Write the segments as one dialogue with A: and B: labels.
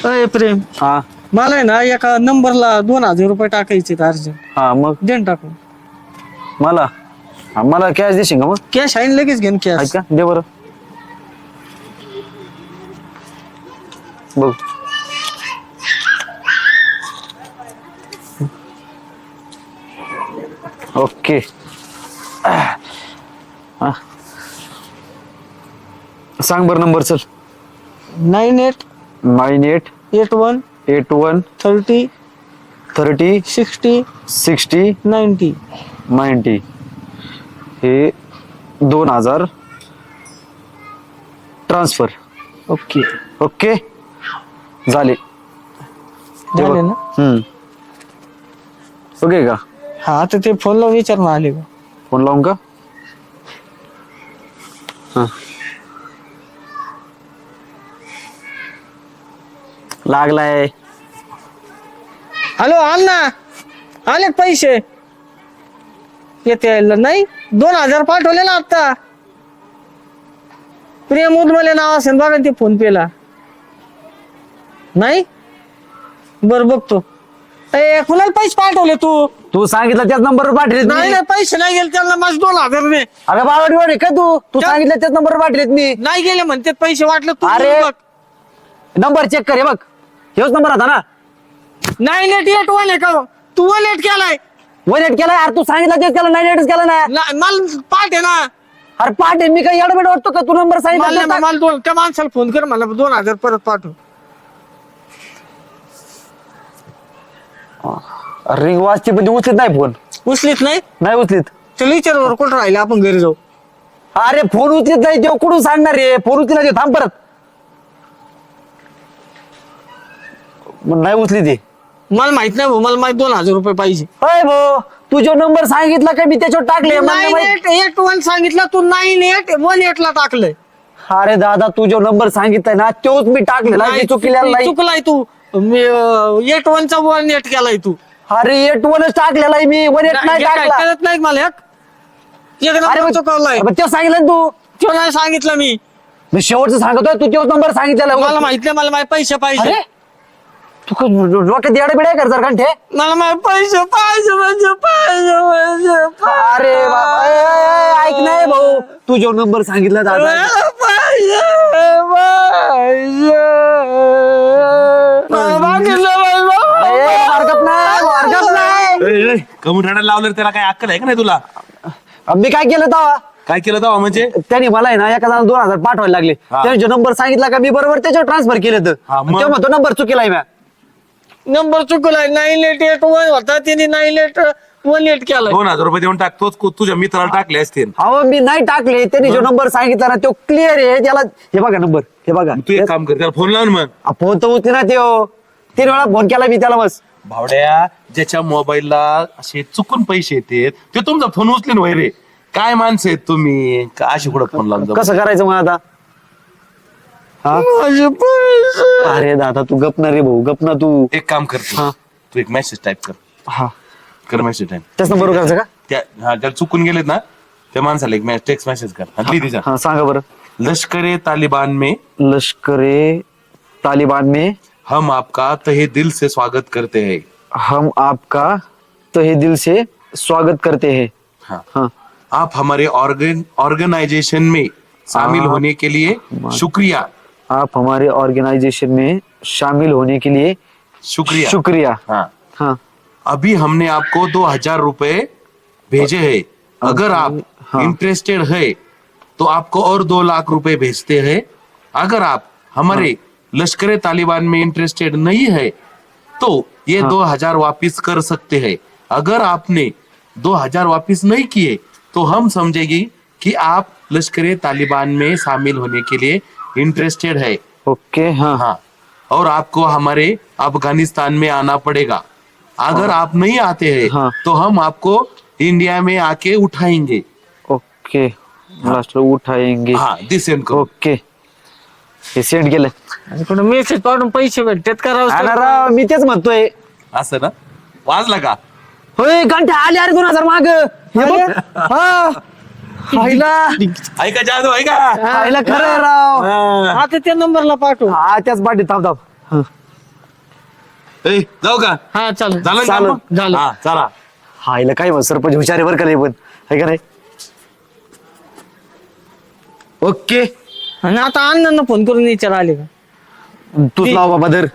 A: अय प्रेम,
B: हा
A: मला आहे ना एका नंबरला 2000 रुपये टाकायचे अर्जंट.
B: हा मग
A: देण टाकून.
B: मला मला कॅश देशील का मग
A: कॅश आहे ना, लगेच घेऊन
B: आहेत
A: कॅश.
B: का दे बरं बघ ओके हा. सांग बरं नंबर चल
A: 9881
B: 9881
A: 30
B: 30
A: 60
B: 60
A: 90.
B: 90 हे 2000 ट्रान्सफर
A: ओके
B: ओके झाले
A: झाले ना.
B: ओके का
A: हा आता ते फोन लावून विचार ना आले का.
B: फोन लावून का हा लागलाय
A: हॅलो अण्णा, आले का पैसे? येते नाही 2000 पाठवले ना आता. प्रेम उदमले नाव असेल बघा ते फोन पे ला. नाही बर बघतो. कुणाला पैसे पाठवले तू?
B: तू सांगितलं त्याच नंबरवर पाठवलेत
A: नाही
B: मी
A: नाही पैसे नाही गेले त्यांना माझे 2000 दे.
B: अगं बावडी वाडी का तू सांगितलं त्याच नंबरवर पाठवलेत मी
A: नाही गेले म्हणते पैसे वाटले तू
B: अरे.
A: बघ.
B: नंबर चेक कर हे बघ हेच नंबर होता ना
A: 9881 आहे का तू 18 केलाय?
B: 18 केला यार तू सांगितलं तेच केलं 98 केलं ना
A: मला पाठ आहे ना.
B: अरे पाठ आहे मी काही एडमिट वाटतो का तू नंबर सांगितलं
A: मला त्या माणसाला फोन कर मला 2000 परत पाठव.
B: रिंग वाजते पण ती उचलीत नाही फोन
A: उचलीत नाही
B: उचलीत
A: चल विचार बरं कुठं राहिले आपण घरी जाऊ.
B: अरे फोन उचलीत नाही देव कुठून सांगणार रे फोन उचलीला देव थांब परत मग नाही उचली ती
A: मला माहित नाही भाऊ मला माहित 2000 रुपये पाहिजे.
B: अय भाऊ तू जो नंबर सांगितला का मी त्याच्यावर टाकले मला नाही माहित.
A: 9881 सांगितलं तू 9818 ला टाकलंय.
B: अरे दादा तू जो नंबर सांगितलाय ना तोच मी टाकलेला मी चुकलेला नाही
A: चुकलाय तू. 81 चा 18 केलाय तू.
B: अरे 81 टाकलेला आहे मी 18 नाही टाकला
A: कळत नाही का मला एक नंबर चुकवलाय.
B: मग ते सांगितलं ना तू
A: तो नाही सांगितलं
B: मी शेवटचं सांगतोय तू तोच नंबर सांगितलेला
A: मला माहित नाही मला माझे पैसे पाहिजे.
B: अरे तू डोक्यात येडे बिडे कर जर कंठे
A: मला माझे पैसे पाहिजे म्हणजे पाहिजे
B: अरे बाबा ऐक नाही भाऊ तू जो नंबर सांगितला दादा
A: पाहिजे
C: कमून रडायला लावलं त्याला काय अक्कल आहे का नाही तुला?
B: मी काय केलं तेव्हा
C: काय केलं तेव्हा म्हणजे
B: त्यांनी मला आहे ना एका जणाला 2000 पाठवायला लागले त्याने जो नंबर सांगितला का मी बरोबर त्याच्यावर ट्रान्सफर केलं तर
C: हा, मग?
B: तेव्हा तो नंबर चुकीला म्या
A: नंबर चुकलाय 9881 होता त्याने 9818 केलाय.
C: 2000 रुपये देऊन टाक तोच तुझ्या मित्राला टाकले असतील.
B: अहो मी नाही टाकले त्यांनी जो नंबर सांगितला ना तो क्लिअर आहे त्याला हे बघा नंबर हे बघा
C: तू एक काम कर त्याला फोन लावून मग
B: फोन तर उचले ना त्यो 3 वेळा फोन केला मी त्याला बस
C: भावड्या ज्याच्या मोबाईलला असे चुकून पैसे येतात ते तुमचा फोन उचलेन वय रे. काय माणसं आहेत तुम्ही का अशी कुठं फोन लावून जाऊ?
B: कसं करायचं मग आता हा
A: माझे पैसे
B: अरे दादा तू गप ना रे भाऊ गप ना तू
C: एक काम कर
B: हा.
C: तू एक मेसेज टाईप
B: हा
C: कर मेसेज टाईप
B: त्याच नंबर करायचं का
C: त्याला चुकून गेलेत ना त्या माणसाला एक टेक्स्ट मेसेज कर आणि लिही तिचा
B: हा सांगा बरं
C: लष्करे तालिबान में
B: लष्करे तालिबान में
C: हम आपका तहे दिल से स्वागत करते हैं.
B: हम आपका तहे दिल से स्वागत करते हैं
C: हाँ.
B: हाँ
C: आप हमारे ऑर्गेनाइजेशन में शामिल होने के लिए शुक्रिया.
B: आप हमारे ऑर्गेनाइजेशन में शामिल होने के लिए
C: शुक्रिया.
B: शुक्रिया
C: हाँ.
B: हाँ
C: अभी हमने आपको 2000 रुपए भेजे हैं. अगर आप इंटरेस्टेड है तो आपको और 2 लाख रुपए भेजते हैं. अगर आप हमारे लश्कर तालिबान में इंटरेस्टेड नहीं है तो ये 2000 वापिस कर सकते हैं. अगर आपने 2000 वापिस नहीं किए तो हम समझेगी कि आप लश्कर तालिबान में शामिल होने के लिए इंटरेस्टेड है.
B: ओके हाँ
C: हाँ. और आपको हमारे अफगानिस्तान में आना पड़ेगा. अगर आप नहीं आते हैं
B: हाँ.
C: तो हम आपको इंडिया में आके उठाएंगे.
B: ओके लास्ट उठाएंगे
C: हाँ दिस सेंड करो.
B: ओके हे सेंड केलं
A: कुठं मेसेज पाठवून पैसे भेटतात करावं.
B: अरे राव मी तेच म्हणतोय
C: असं ना वाजला का?
B: होय घंटा आले अरे 2000 माग हे बघ हा खायला
C: ऐका जादू ऐका.
B: खायला खरं आहे राव
A: आता त्या नंबरला पाठव.
B: हा त्याच पाठी थांब थांब
C: ए, जाऊ का
A: हा चालेल
C: झालं का
B: चालेल.
C: मग?
A: झालं.
C: हा, चला
B: हा हिला काय म्हण सरपंच हुशार आहे बरं का लय पण है का नाही. ओके
A: आणि आता अण्णांना फोन करून विचार आले का
B: तूच लाव बाबा धर.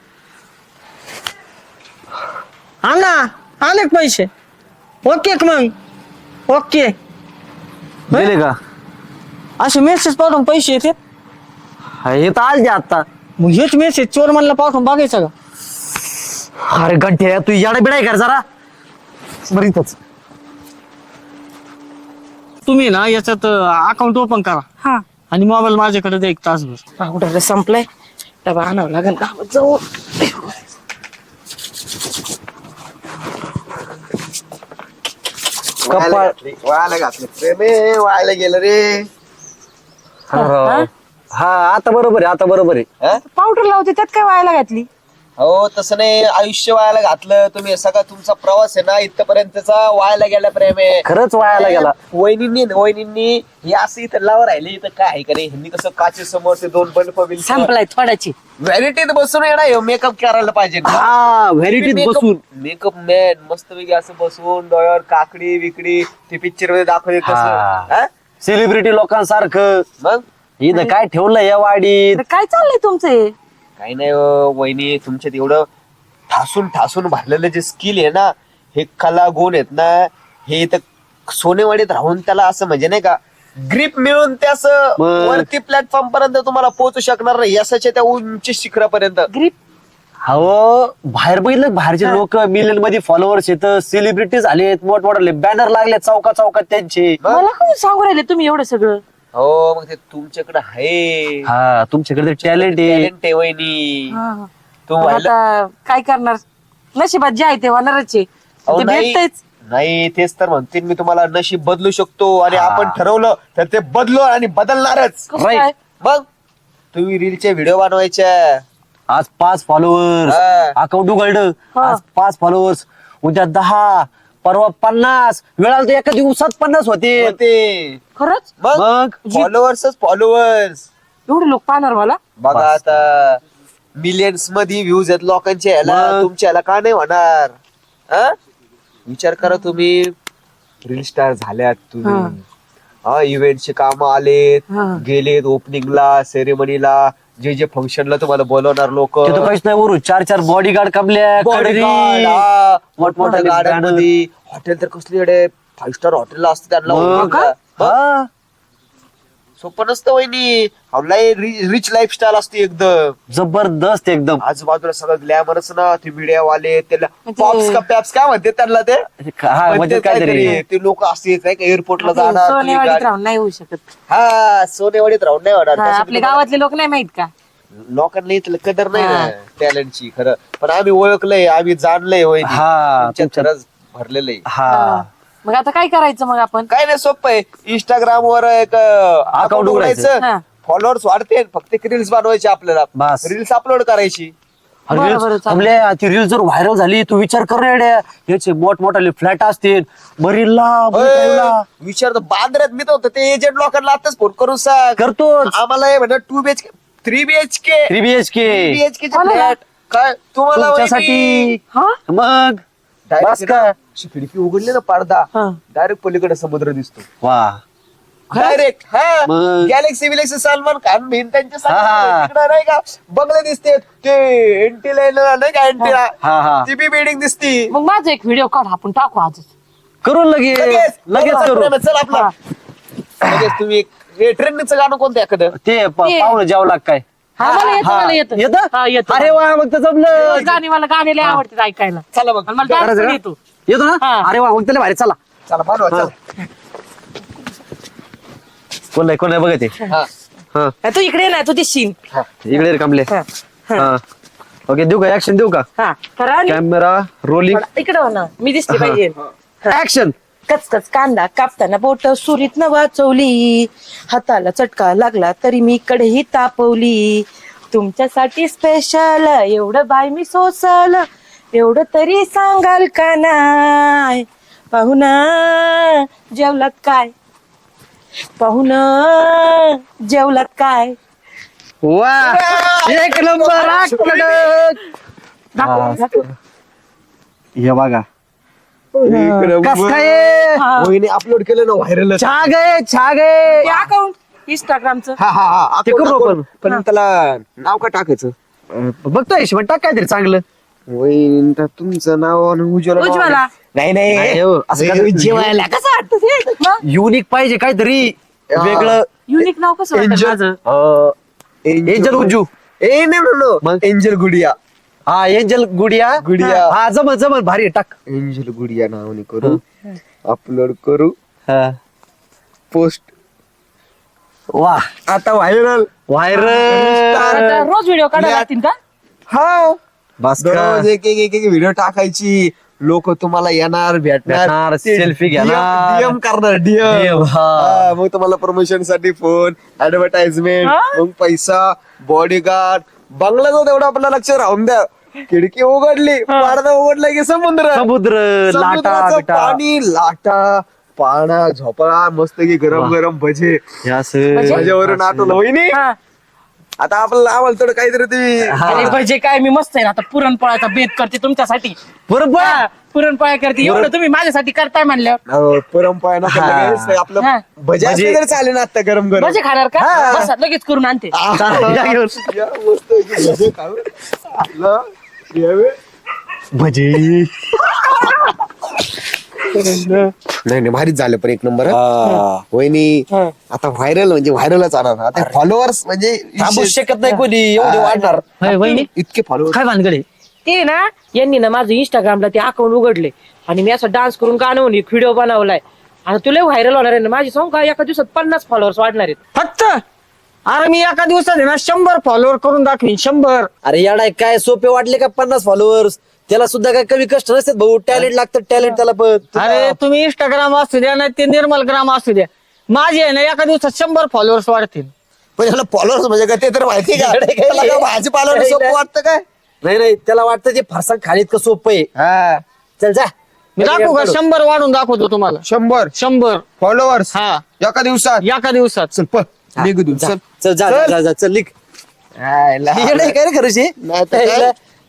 A: अण्णा आले का पैसे ओके का मग ओके
B: दिले का
A: असे मेसेज पाठवून पैसे येतात
B: हा, हे तर आलते आता.
A: मग हेच मेसेज चोर म्हणला पाठवून बघायचा का
B: अरे गंठे तू याडा बिडाय कर जरा बरं इथंच.
A: तुम्ही ना याच्यात अकाउंट ओपन करा
D: हा
A: आणि मोबाईल माझ्याकडे द्या 1 तासभर
D: पावडर संपलाय डबा आणावं लागेल गावात जाऊ
B: कपाळ
E: वायला घातलं प्रेमे वायला गेलं रे.
B: हा आता बरोबर आहे आता बरोबर आहे.
E: हं?
D: पावडर लावते त्यात काय व्हायला घातली
E: हो तसं नाही आयुष्य वायाला घातलं तुम्ही सगळा तुमचा प्रवास आहे ना इथपर्यंतचा वायाला गेला प्रेमे.
B: खरंच वायाला गेला.
E: वहिनींनी हे असं इथं लावं राहिले इथं काय आहे का रे ह्यांनी कसं काचे समोर ते 2 बल्ब
D: संपलाय थोड्याची
E: व्हॅनिटीत बसून येणार मेकअप करायला पाहिजे
B: हा व्हॅनिटीत बसून
E: मेकअप मॅन मस्तपैकी असं बसून डोळ्यावर काकडी विकडी ते पिक्चर मध्ये दाखवले
B: हा.
E: कसं हं?
B: सेलिब्रिटी लोकांसारखं
E: मग
B: इथं काय ठेवलं या वाडीत.
D: तर काय चाललंय तुमचं हे?
E: काही नाही हो, वहिनी तुमच्यात एवढं ठासून ठासून भरलेलं जे स्किल आहे ना हे कला गुण आहेत ना हे इथं सोनेवाडीत राहून त्याला असं म्हणजे नाही का ग्रीप मिळून ते असं
B: मग.
E: वरती प्लॅटफॉर्म पर्यंत तुम्हाला पोहोचू शकणार नाही यशाच्या त्या उंच शिखरापर्यंत.
D: ग्रीप
B: हो बाहेर बघितलं बाहेरचे लोक मिलियन मध्ये फॉलोअर्स येत सेलिब्रिटी झालेत मोठमोठे बॅनर लागले चौका चौकात त्यांचे.
D: मला कोण सांगू राहिले तुम्ही एवढं सगळं
E: हो मग ते तुमच्याकडे आहे
B: हा तुमच्याकडे टॅलेंट आहे.
E: टॅलेंट आहे वहिनी.
D: हा.
E: तू
D: पण
E: व्हायला
D: आता काय करणार नशिबात जे आहे ते होणारच आहे
E: अहो,
D: ते
E: नाही
D: भेटतच
E: नाही, तेच तर म्हणते मी तुम्हाला नशीब बदलू शकतो आणि आपण ठरवलं तर ते बदलो आणि बदलणारच.
D: कसं
B: Right.
D: काय
E: मग तुम्ही रीलचे व्हिडिओ बनवायच्या
B: आज 5 फॉलोअर्स
E: हा.
B: अकाउंट उघडलं
D: हा.
B: आज 5 फॉलोअर्स उद्या 10 परवा 50 वेळाला तर एका दिवसात 50 होते.
E: ते
D: खरंच
E: मग
B: मग
E: फॉलोअर्सच फॉलोअर्स
D: एवढे लोक पाहणार मला
E: बघा
B: बस.
E: आता मिलियन्स मध्ये व्ह्यूज आहेत लोकांच्या ह्याला
B: मग.
E: तुमच्या ह्याला का नाही होणार हा? विचार करा तुम्ही रील स्टार झाल्यात तुम्ही हा इव्हेंटचे काम आलेत
D: हा.
E: गेलेत ओपनिंगला सेरेमनीला जे जे फंक्शनला तुम्हाला बोलवणार लोक
B: ते तर काहीच नाही वरून 4 बॉडीगार्ड कापल्या कडरी.
E: मोठमोठ्या गाड्यांमध्ये हॉटेल तर कसली 5 स्टार हॉटेलला असतं त्यांना
B: मग
E: ओळखलं. मग
B: हा.
E: सोपं नसतं वहिनी रिच लाईफस्टाईल असते एकदम
B: जबरदस्त एकदम.
E: आजूबाजूला सगळं ग्लॅमरच ना ते मीडिया वाले त्याला
D: म्हणजे-
E: पॉप्स का पॅप्स काय म्हणते त्यांना ते
B: हा म्हणजे
E: म्हणते
B: काहीतरी
E: काहीतरी ते लोक असते नाही का एअरपोर्टला जाणार तुम्ही
D: सोनेवाडीत
E: गाडी-
D: राहून नाही होऊ शकत
E: हा सोनेवाडीत राहून नाही होणार
D: हा,
E: तसं
D: आपल्या
E: तुम्हाला-
D: गावातले लोक नाही माहित का
E: लोकांना इथलं कदर नाही
D: हा.
E: ना टॅलेंटची खरं पण आम्ही ओळखलंय आम्ही जाणलंय होय
B: हा,
E: तुमच्यात खरंच भरलेलं आहे
B: हा
D: मग आता काय करायचं मग आपण
E: काय नाही सोपं आहे इंस्टाग्राम वर एक अकाउंट
B: उघडायचं.
E: उघडायचं
D: हा.
E: फॉलोअर्स वाढते फक्त रील्स बनवायचे आपल्याला
B: बस.
E: रील्स अपलोड करायची
D: बरं, बरं, चालेल.
B: आपल्या ती रील जर व्हायरल झाली तू विचार कर रे याचे मोठमोठाले फ्लॅट असतील बरीला
E: विचार बांद्र्यात मी तर होतं ते एजंट लोकांना आताच फोन करून सांग
B: करतोच
E: आम्हाला हे म्हणा 2 BHK 3 BHK
B: 3 BHK
E: 3 BHK चे
D: कोणाला?
E: फ्लॅट काय तुम्हाला
B: तुमच्यासाठी
D: हा
B: मग बस का
E: अशी खिडकी उघडली ना पडदा
D: हा.
E: डायरेक्ट पलीकडे समुद्र दिसतो
B: वा
E: डायरेक्ट हा
B: मग?
E: गॅलेक्सी विलेक्सी सलमान खान बिन त्यांच्या
B: हा.
E: तिकडे नाही का बंगले दिसते ते एंटी लाईन नाही का एंटी
B: हा, हा.
E: ती बी बिल्डिंग दिसती
D: मग माझा एक व्हिडिओ काढ आपण टाकू आजच
B: करू लगेच लगेच करू
E: चल आपला लगेच तुम्ही ट्रेनचं गाणं कोणतं एखादं
B: ते पाहुणं जावं लाग काय
D: हा मला येतं
B: हा.
D: मला येतं
B: येतं?
D: हा, येतं.
B: अरे वा मग तर जमलं
D: गाणी मला गाणे लय आवडतात ऐकायला
E: चला मग
D: आणि मला dance पण येतो
B: येतो ना
D: हा.
B: अरे वा मग त्याला भारी चला
E: चला बनवा चला
B: कोण नाही बघत आहे.
E: हा
B: हा
D: तू इकडे ना तू दिसशील
B: इकडे रे कमले
D: हा,
B: हा ओके देऊ का ऍक्शन देऊ का
D: हा करा आणि
B: कॅमेरा रोलिंग
D: इकडे हो ना मी दिसली पाहिजे
B: ऍक्शन
D: कचकच कांदा कापताना बोट सुरीत न वाचवली हाताला चटका लागला तरी मी कडेही तापवली तुमच्यासाठी स्पेशल एवढं बाय मी सोसल एवढं तरी सांगाल का नाय पाहुणा जेवलात काय पाहुणा जेवलात काय
B: वा एक नंबर हे बघा कस काय
E: वहिनी अपलोड केलं ना व्हायरल
B: छा गए
D: ते अकाउंट इंस्टाग्रामचं
E: हा हा हा
B: ते करू आपण.
E: पण त्याला नाव का टाकायचं
B: बघतोय हिशोबात टाक काहीतरी चांगलं.
E: वहिनी तुमचं नाव आणि उज्ज्वला नाव.
D: उज्ज्वला.
E: नाही
B: नाही
E: नाही
B: हो, असं कसं
E: जेवायला
D: कसं वाटतं ते
B: युनिक पाहिजे काहीतरी वेगळं.
D: युनिक नाव कसं वाटतं माझं
B: एंजल उज्जू मग?
E: एंजल गुडिया
B: हा एंजल गुडिया
E: गुडिया.
B: हा जमल भारी आहे, टाक.
E: एंजल गुडिया नावाने करू अपलोड करू पोस्ट
B: वा
E: आता व्हायरल
B: व्हायरल
D: आता रोज व्हिडिओ काढायला लागतील का
E: हा
B: बस का?
E: दररोज एक एक व्हिडिओ टाकायची लोक तुम्हाला येणार
B: भेटणार, selfie घेणार.
E: डीएम करणार डीएम
B: DM, हा.
E: मग तुम्हाला प्रमोशन साठी फोन ऍडव्हर्टाइजमेंट
D: हा?
E: मग पैसा बॉडीगार्ड बंगल्याचं तेवढं आपल्याला लक्ष राहून द्या खिडकी उघडली पडदा उघडला की समुद्र
B: समुद्र लाटा
E: समुद्राचं
B: बिटा
E: पाणी लाटा पाणा झोपळा मस्त की गरम गरम भजे
B: हे असं.
E: भज्यावरून आठवलं वहिनी
D: हा.
E: आता आपल्याला आवडलं थोडं काहीतरी ते
B: हा.
D: आणि भजे काय मी मस्त आहे ना आता पुरणपोळ्याचा बेत करते तुमच्यासाठी
B: बरोबर
D: हा, पुरणपोळ्या करते एवढं तुम्ही माझ्यासाठी करताय म्हणल्यावर
E: पुरणपोळ्या नको
B: हा.
E: लगेच आपलं
D: हा.
E: भजे असले
B: भजे.
E: तरी चालेल ना आता गरम गरम
D: भजे खाणार का बस लगेच करून आणते
B: चालेल, या घेऊन.
E: या मस्त पैकी भजे खाऊ. आपलं यावे.
B: भजी
E: नाही नाही भारीच झालं पण एक नंबर
B: हा.
E: वहिनी आता व्हायरल म्हणजे व्हायरलच आणणार आता फॉलोअर्स म्हणजे
B: थांबू शकत नाही कोणी एवढे वाढणार.
A: होय, वहिनी
E: इतके फॉलोअर्स
A: काय भानगडे
D: ते ना यांनी ना माझं इंस्टाग्रामला ते अकाउंट उघडले आणि मी असं डान्स करून गाणं म्हणे व्हिडिओ बनवलाय आता तुला व्हायरल होणार आहे ना माझी सांग का एका दिवसात 50 फॉलोअर्स वाढणार आहेत
A: फक्त अरे मी एका दिवसात आहे ना 100 फॉलोअर करून दाखवीन 100.
B: अरे याडा काय सोपे वाटले का 50 फॉलोअर्स त्याला सुद्धा काय कमी कष्ट नसतात भाऊ टॅलेंट लागतं टॅलेंट त्याला पण.
A: अरे तुम्ही इंस्टाग्राम असू द्या ना ते निर्मल ग्राम असू द्या माझे आहे ना एका दिवसात 100 फॉलोअर्स वाढतील.
E: पण ह्याला फॉलोअर्स म्हणजे काय ते तर माहिती का
B: इकडे काय?
E: त्याला काय भाजीपाला सोपं वाटतं काय
B: नाही त्याला वाटतं ते फरसाण खाणीत का सोपं आहे.
E: हा
B: चल जा
A: मी दाखवू का 100 वाढून दाखवतो तुम्हाला
E: 100 फॉलोअर्स
A: हा
E: एका दिवसात
A: एका दिवसात.
E: चल पण निघू
B: जा,
E: चल
B: चल जा
E: चल.
B: जा, जा चल लिख
E: हाय, लहान.
B: काय रे खरंशी
E: नाही तर काय?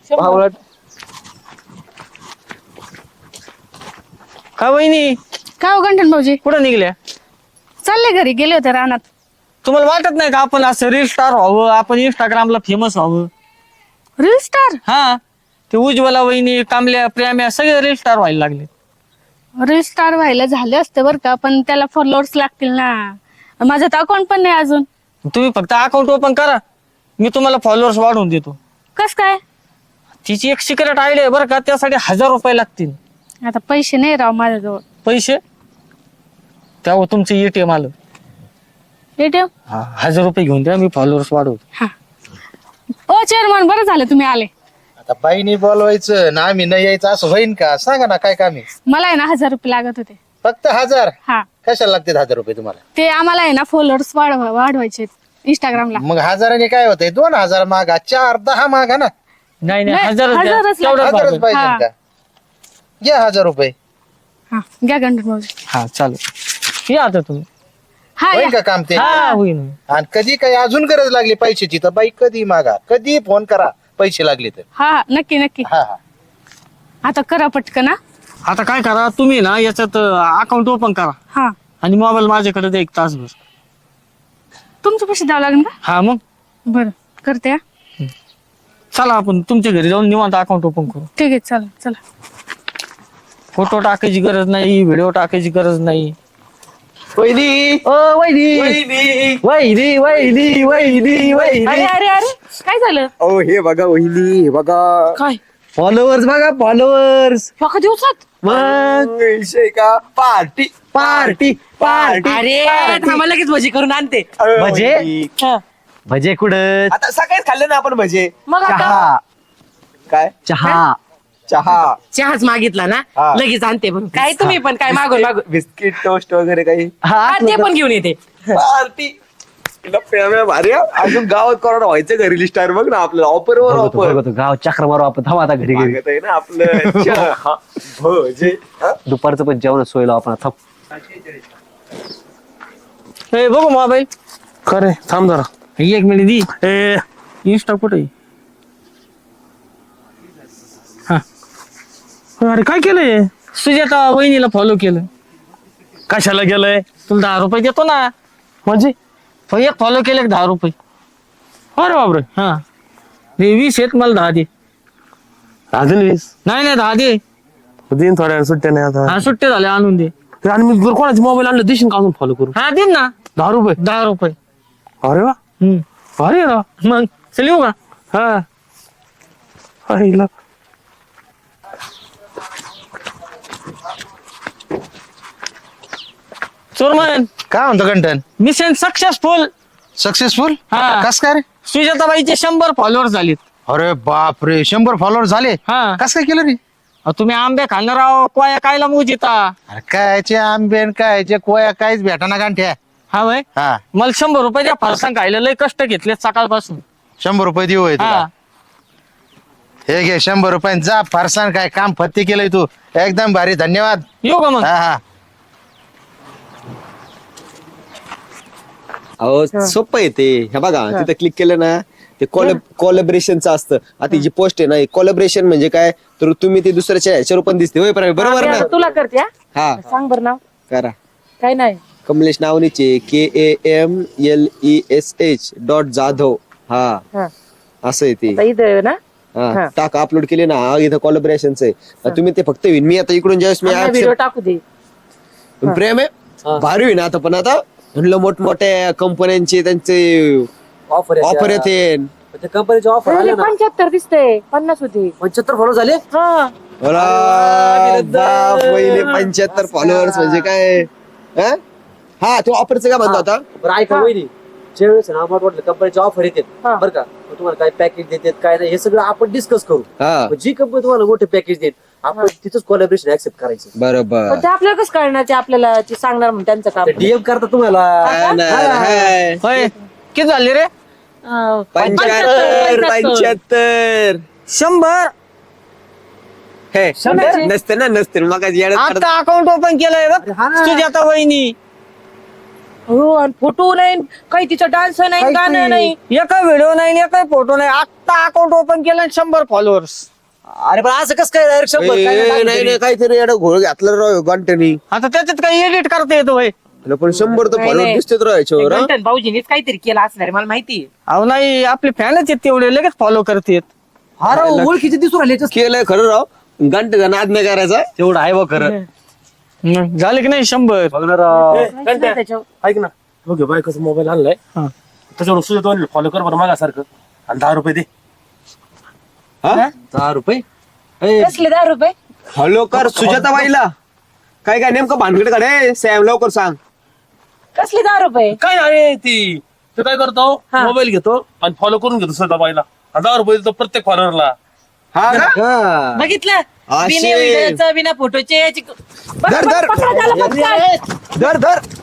A: का वहिनी
F: काय हो गंठन भाऊजी
A: कुठं निघल्या
F: चालले घरी गेले होते रानात.
A: तुम्हाला वाटत नाही का आपण असं रील स्टार व्हावं आपण इंस्टाग्रामला फेमस व्हावं.
F: रील स्टार
A: हा ते उज्ज्वला वहिनी कामल्या प्रेम्या सगळे रील स्टार व्हायला लागले.
F: रील स्टार व्हायला झाले असते बरं का पण त्याला फॉलोअर्स लागतील ना माझं तर अकाउंट पण नाही अजून.
A: तुम्ही फक्त अकाउंट ओपन करा मी तुम्हाला फॉलोअर्स वाढवून देतो.
F: कस काय
A: तिची एक सिक्रेट आयडिया आहे बरं का त्यासाठी 1000 रुपये लागतील.
F: आता पैसे नाही राव माझ्याजवळ.
A: पैसे त्यावर तुमचे एटीएम आलं
F: एटीएम
A: 1000 रुपये घेऊन द्या मी फॉलोअर्स वाढवतो.
F: हा ओ चेअरमन बरं झालं तुम्ही आले.
G: आता बाईनी बोलवायचं ना आम्ही न यायचं असं होईन का सांगा ना काय काम आहे.
F: मला आहे ना 1000 रुपये लागत होते.
G: फक्त 1000
F: हा
G: कशाला लागते 1000 रुपये तुम्हाला.
F: ते आम्हाला आहे ना फॉलोअर्स वाढवायचे इंस्टाग्रामला.
G: मग 1000 काय होतंय 2000 मागा 4 10 मागा ना.
A: नाही
F: नाही,
A: 1000 द्या.
F: 1000च
A: तेवढंच
G: 1000च
A: भागेल.
G: पाहिजे
F: हा.
G: का घ्या 1000 रुपये
F: हा घ्या गंठन भाऊजी.
A: हा चालेल या आता तुम्ही.
F: हा
G: होईल
F: या.
G: का काम ते.
A: हा होईन.
G: आणि कधी काही अजून गरज लागली पैशाची तर बाई कधी मागा कधी फोन करा पैसे लागले तर.
F: हा हा नक्की नक्की.
G: हा हा
F: आता करा पटकन ना.
A: आता काय करा तुम्ही ना याच्यात अकाउंट ओपन करा
F: हा
A: आणि मोबाईल माझ्याकडे द्या 1 तासभर.
F: तुमचे पैसे द्यावं लागेल का.
A: हा मग
F: बरं करते हा.
A: चला आपण तुमच्या घरी जाऊन निवांत अकाउंट ओपन करू.
F: ठीक आहे चला चला.
A: फोटो टाकायची गरज नाही व्हिडिओ टाकायची गरज नाही.
B: वहिनी ओ वहिनी वहिनी वहिनी वहिनी वहिनी
D: अरे अरे अरे काय झालं
E: ओ हे बघा वहिनी हे बघा
D: काय
B: फॉलोअर्स बघा फॉलोअर्स
D: एका दिवसात
B: मग
E: विषय का पार्टी
B: पार्टी पार्टी
D: अरे थांबा लगेच भजी करून आणते
B: भजे
D: हा.
B: भजे कुठं
E: आता सकाळीच खाल्ले ना आपण भजे
D: मग आता
B: चहा
E: काय
B: चहा
E: चहा
D: चहाच मागितला ना
E: हा.
D: लगेच आणते पण काय तुम्ही पण काय मागून मागून
E: बिस्किट टोस्ट वगैरे काही
D: हा, ते पण घेऊन येते
E: पार्टी तिला प्रेम भारी आहे. अजून गावात कोरोना व्हायचं घरी स्टार बघ ना आपल्याला ऑफर वर ऑफर
B: बघतो गाव चक्र मारू आपण थांब आता घरी घरी
E: मागत आहे ना आपलं चहा, भजे हा?
B: दुपारचं पण जेवण सोयला आपण थांब.
A: हे बघू मोबाईल.
C: खरे थांब जरा
A: 1 मिनिट दी इंस्टा कुठे हा
H: अरे काय केलंय
A: सुजाता वहिनीला फॉलो केलं.
H: कशाला गेलंय
A: तुला 10 रुपये देतो ना.
H: म्हणजे
A: एक फॉलो केले 10 रुपये.
H: अरे बापरे
A: हा हे 20 आहेत, मला 10 दे.
H: अजून 20
A: नाही 10 दे.
H: दिन थोड्या सुट्ट्या नाही आता
A: हा सुट्टे झाले, आणून दे.
H: ते आणि मी जर कोणाचे मोबाईल आणलं देशील का अजून फॉलो करू
A: हा दे ना
H: 10 रुपये
A: 10 रुपये.
H: अरे वा अरे ना
A: मग चल येऊ का.
H: हा आईला.
A: चोरमन
G: काय म्हणतो कंटन
A: मिशन सक्सेसफुल.
G: सक्सेसफुल
A: हा.
G: कस काय रे?
A: सुजाताबाईचे 100 फॉलोअर झालेत.
G: अरे बाप रे 100 फॉलोअर झाले.
A: हा
G: कस काय केलं रे?
A: तुम्ही आंबे खाणार आहो कोया कायला मोजिता.
G: अरे कायचे आंबे न कायचे कोया काहीच भेटाना गांठ्या.
A: हा वय
G: हा
A: मला 100 रुपये द्या. फरसाण खायला लय कष्ट घेतले सकाळपासून.
G: 100 रुपये देऊ होय तुला.
A: हा
G: हे घे 100 रुपये जा. फारसान काय काम फत्ते केलंय तू. एकदम भारी, धन्यवाद.
A: येऊ का मग.
G: हा हा
E: अहो सोपं आहे ते. हे बघा तिथे क्लिक केलं ना ते कोलॅबरेशनचं असतं. आता ही जी पोस्ट आहे ना कोलॅबरेशन म्हणजे काय तर तुम्ही ते दुसऱ्याच्या ह्याच्यावर पण दिसते होय बरोबर ना.
D: तुला करते हा?
E: हा
D: सांग बर नाव
E: करा.
D: काय नाही.
E: कमलेश नावनीचे KAMLESH.जाधव. हा
D: हा
E: असं आहे ते.
D: आता इथं ना
E: हा टाक अपलोड केले ना इथं कोलॅबरेशनचं आहे. तुम्ही ते फक्त विन मी आता इकडून ज्यावेळेस मी
D: व्हिडिओ टाकू दे.
E: प्रेम आहे भारी होईन आता. पण आता म्हणलं मोठमोठ्या कंपन्यांचे त्यांचे ऑफर येते.
B: कंपनीचे ऑफर
D: पहिले 75 दिसते 50 होते.
B: 75 फॉलो झाले
D: हा
E: पहिले 75 फॉलोअर्स म्हणजे काय. हा? हा तो ऑफरचं काय म्हणतो आता.
B: बरं ऐका वहिनी ज्यावेळेस ना आम्हाला वाटलं कंपनीचे ऑफर येतात
D: हा.
B: बरं का मग तुम्हाला काय पॅकेज देतात काय नाही हे सगळं आपण डिस्कस करू.
E: हा
B: मग जी कंपनी तुम्हाला मोठे पॅकेज देत आपण तिथंच कोलॅबरेशन ऍक्सेप्ट करायचं.
E: बरोबर.
D: पण ते आपल्याला कसं कळणार. ते आपल्याला ते सांगणार म्हणून त्यांचं काम.
B: डीएम करता तुम्हाला
A: होय किती झाले रे.
E: 75
A: 100.
E: हे नसते ना मग
A: आता अकाउंट ओपन केलंय बघ सुजाता वहिनी.
D: हो आणि फोटो नाही काही तिचा डान्स नाही गाणं नाही.
A: एकही व्हिडिओ नाही एकही फोटो नाही. आता अकाउंट ओपन केलं 100 फॉलोअर्स.
B: अरे पण असं कसं काय डायरेक्ट 100 काय नाही
E: नाही नाही काहीतरी एवढं घोळ घातलं राव गंटनी.
A: आता त्याच्यात काही एडिट करता येतो होय.
E: पण 100 तर फॉलोअर दिसतेच राव याच्यावर. हा?
D: गंटन भाऊजीनीच काहीतरी केलं असणार मला माहिती.
A: अहो नाही आपले फॅनच आहेत तेवढे लगेच फॉलो करतेत.
B: हा राव ओळखीचे दिसून राहिले
E: केलंय खरं राव. घंटेचा नाद नाही करायचा.
B: तेवढं आहे बघ खरं.
A: झाले की नाही 100.
B: बघणार
D: त्याच्यावर
H: ऐक ना बघ बायकोचा मोबाईल आणलाय
A: हा.
H: त्याच्यावर सुद्धा फॉलो कर बरं मागासारखं आणि 10 रुपये दे.
B: 10 रुपये
D: कसले 10 रुपये.
E: फॉलो कर सुजाताबाईला. काय काय नेमकं भानगड काढे सॅम लवकर सांग.
D: कसले 10 रुपये.
H: काय आहे ती तो काय करतो मोबाईल घेतो आणि फॉलो करून घेतो स्वतः बाईला 10 रुपये देतो प्रत्येक फॉलोअरला.
E: हा का?
D: बघितलं
E: असे.
D: बिना व्हिडिओचं बिना फोटोचे याची
E: धर धर धर धर